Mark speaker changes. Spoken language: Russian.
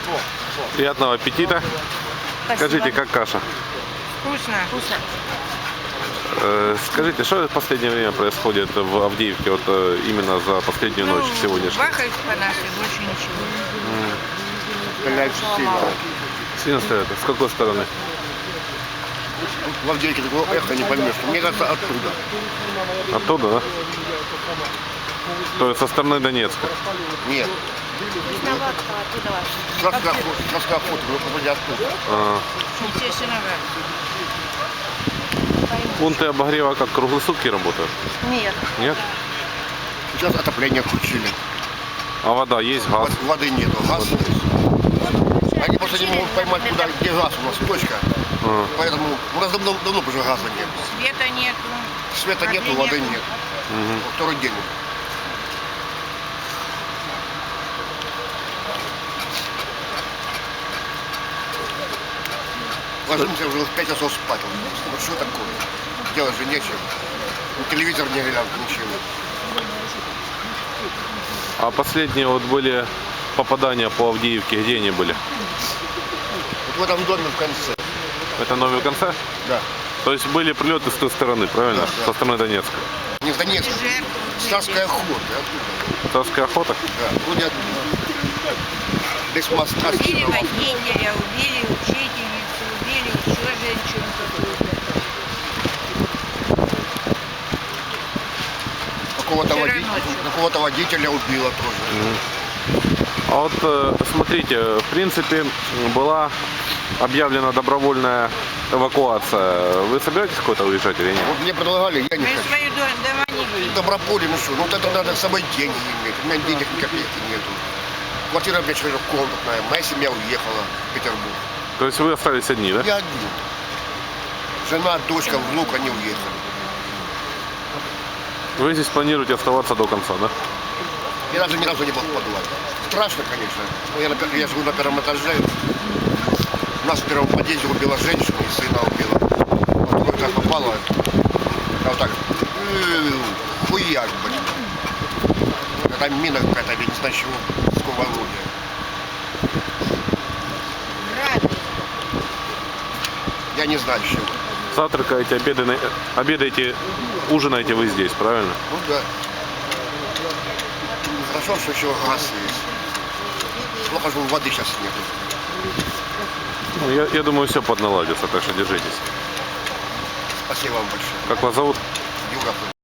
Speaker 1: Приятного аппетита.
Speaker 2: Спасибо.
Speaker 1: Скажите, как каша?
Speaker 2: Вкусно. Вкусно.
Speaker 1: Скажите, что в последнее время происходит в Авдеевке, вот именно за последнюю ночь сегодняшнюю?
Speaker 2: Бахают по нашей, больше ничего.
Speaker 3: Стреляют сильно.
Speaker 1: Сильно стреляют? С какой стороны?
Speaker 3: В Авдеевке такого эхо не поймешь. Мне кажется, оттуда.
Speaker 1: Оттуда, да? То есть со стороны Донецка?
Speaker 3: Нет. Краска охота, но попади оттуда.
Speaker 2: Естественно,
Speaker 1: Пункты обогрева как круглые сутки работают?
Speaker 2: нет.
Speaker 1: Нет?
Speaker 3: Сейчас отопление включили.
Speaker 1: А вода есть, газ?
Speaker 3: Воды нету, газ есть. Они просто не могут поймать, куда, где газ у нас, точка. Поэтому у нас давно уже газа нет.
Speaker 2: Света нету.
Speaker 3: Света нету, воды нет. Второй день. Ложимся уже в 5 часов спать. Вот что такое? Делать же нечего. Телевизор не глянут, ничего.
Speaker 1: А последние вот были попадания по Авдеевке, где они были?
Speaker 3: Вот в этом доме в конце.
Speaker 1: Это новый конце?
Speaker 3: Да.
Speaker 1: То есть были прилеты с той стороны, правильно?
Speaker 3: Да.
Speaker 1: Со стороны Донецка.
Speaker 3: Не с Донецка. Царская охота. Оттуда.
Speaker 1: Царская охота?
Speaker 3: Да. Вроде оттуда. Без моста.
Speaker 2: Убили водителя, убили учительницу, убили еще женщину какую-то.
Speaker 3: Какого-то водителя убило тоже.
Speaker 1: А вот смотрите, в принципе была объявлена добровольная эвакуация. Вы собираетесь куда-то уезжать или нет?
Speaker 3: Вот мне предлагали, я не
Speaker 2: Мы
Speaker 3: хочу.
Speaker 2: свои дома не видим.
Speaker 3: Доброполе, ну что, ну вот это надо с собой деньги иметь. У меня денег ни копейки нету. Квартира у меня четырехкомнатная, моя семья уехала в Петербург.
Speaker 1: То есть вы остались одни, да?
Speaker 3: Я один. Жена, дочка, внук, они уехали.
Speaker 1: Вы здесь планируете оставаться до конца, да?
Speaker 3: Я даже ни разу не был в подвале. Страшно, конечно. Но я живу на первом этаже. У нас в первом подъезде убила женщину и сына убила. Вот как попало. А вот так. Хуяк, блин. Какая мина какая-то, я не знаю чего. Сколько орудия. Я не знаю чего.
Speaker 1: Завтракаете, обедаете, ужинаете вы здесь, правильно?
Speaker 3: Ну да. Хорошо, что еще газ есть. Плохо, что воды сейчас нет.
Speaker 1: Ну, я думаю, все подналадится, так что держитесь.
Speaker 3: Спасибо вам большое.
Speaker 1: Как вас зовут?
Speaker 3: Юра.